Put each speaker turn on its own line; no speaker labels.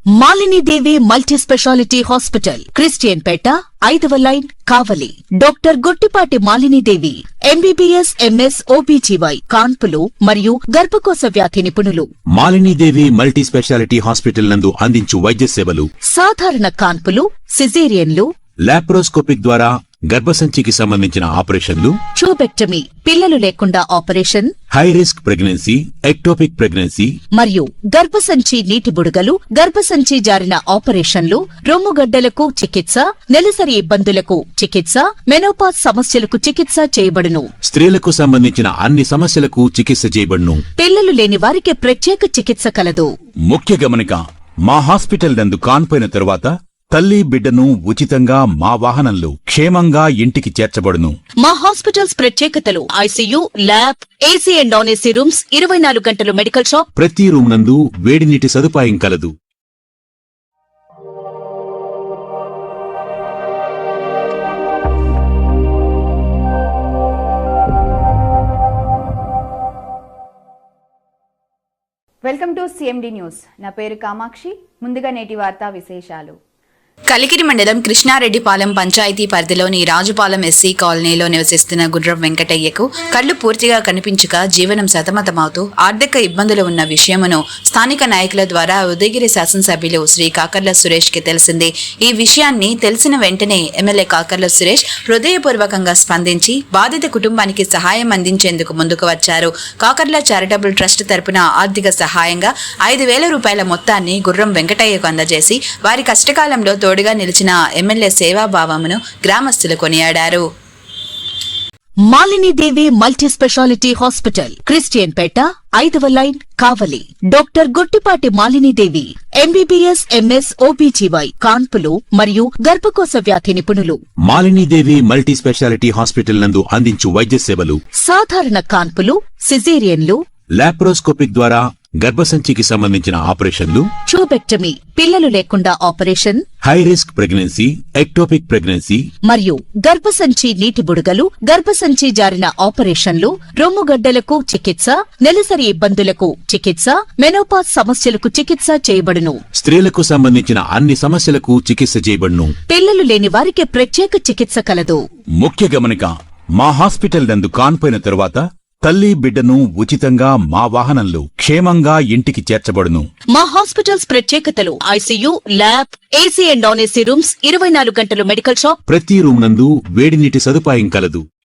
Malini Devi multi specialty hospital, Christian Peta, 5వ line, Kavali. Doctor Guttipati Malinidevi, MBBS, MS, OBGY, కాన్పులు మరియు గర్భకోశ వ్యాధి నిపుణులు.
మాలినీదేవి మల్టీ స్పెషాలిటీ హాస్పిటల్ నందు అందించు వైద్య సేవలు:
సాధారణ కాన్పులు, సిజేరియన్లు,
లాప్రోస్కోపిక్ ద్వారా గర్భసంచికి సంబంధించిన ఆపరేషన్లు,
ట్యూబెక్టమీ, పిల్లలు లేకుండా operation,
high risk pregnancy, ectopic pregnancy
మరియు గర్భసంచి నీటి బుడగలు, గర్భసంచి జారిన ఆపరేషన్లు, రొమ్ముగడ్డలకు చికిత్స, నెలసరి ఇబ్బందులకు చికిత్స, మెనోపాజ్ సమస్యలకు చికిత్స చేయబడును.
స్త్రీలకు సంబంధించిన అన్ని సమస్యలకు చికిత్స చేయబడును.
పిల్లలు లేని వారికి ప్రత్యేక చికిత్స కలదు.
ముఖ్య గమనిక: మా హాస్పిటల్ నందు కాన్పోయిన తరువాత తల్లి బిడ్డను ఉచితంగా మా వాహనంలో క్షేమంగా ఇంటికి చేర్చబడును.
మా హాస్పిటల్స్ ప్రత్యేకతలు: ICU, lab, AC and non AC rooms, 24 గంటలు మెడికల్ షాప్,
ప్రతి రూమ్ నందు వేడి నీటి సదుపాయం కలదు.
Welcome to CMD news. నా పేరు కామాక్షి. ముందుగా నేటి వార్తా విశేషాలు.
కలికిరి మండలం కృష్ణారెడ్డిపాలెం పంచాయతీ పరిధిలోని రాజుపాలెం ఎస్సీ కాలనీలో నివసిస్తున్న గుర్రం వెంకటయ్యకు కళ్లు పూర్తిగా కనిపించక జీవనం సతమతమవుతూ ఆర్థిక ఇబ్బందులు ఉన్న విషయమును స్థానిక నాయకుల ద్వారా ఉదయగిరి శాసనసభ్యులు శ్రీ కాకర్ల సురేష్ కి తెలిసింది. ఈ విషయాన్ని తెలిసిన వెంటనే ఎమ్మెల్యే కాకర్ల సురేష్ హృదయపూర్వకంగా స్పందించి బాధిత కుటుంబానికి సహాయం అందించేందుకు ముందుకు వచ్చారు. కాకర్ల చారిటబుల్ ట్రస్ట్ తరపున ఆర్థిక సహాయంగా 5,000 రూపాయల మొత్తాన్ని గుర్రం వెంకటయ్యకు అందజేసి వారి కష్టకాలంలో తోడుగా నిలిచిన ఎమ్మెల్యే సేవాభావమును గ్రామస్తులు కొనియాడారు.
Malinidevi multi specialty hospital, Christian Peta, 5వ line, Kavali. Doctor Guttipati Malinidevi, MBBS, MS, OBGY, కాన్పులు మరియు గర్భకోశ వ్యాధి నిపుణులు.
మాలినీదేవి మల్టీ స్పెషాలిటీ హాస్పిటల్ నందు అందించు వైద్య సేవలు:
సాధారణ కాన్పులు, సిజేరియన్లు,
లాప్రోస్కోపిక్ ద్వారా గర్భసంచికి సంబంధించిన ఆపరేషన్లు,
ట్యూబెక్టమీ, పిల్లలు లేకుండా operation,
high risk pregnancy, ectopic pregnancy
మరియు గర్భసంచి నీటి బుడగలు, గర్భసంచి జారిన ఆపరేషన్లు, రొమ్ముగడ్డలకు చికిత్స, నెలసరి ఇబ్బందులకు చికిత్స, మెనోపాజ్ సమస్యలకు చికిత్స చేయబడును.
స్త్రీలకు సంబంధించిన అన్ని సమస్యలకు చికిత్స చేయబడును.
పిల్లలు లేని వారికి ప్రత్యేక చికిత్స కలదు.
ముఖ్య గమనిక: మా హాస్పిటల్ నందు కాన్పోయిన తరువాత తల్లి బిడ్డను ఉచితంగా మా వాహనంలో క్షేమంగా ఇంటికి చేర్చబడును.
మా హాస్పిటల్స్ ప్రత్యేకతలు: ICU, lab, AC and non AC rooms, 24 గంటలు మెడికల్ షాప్,
ప్రతి రూమ్ నందు వేడి నీటి సదుపాయం కలదు.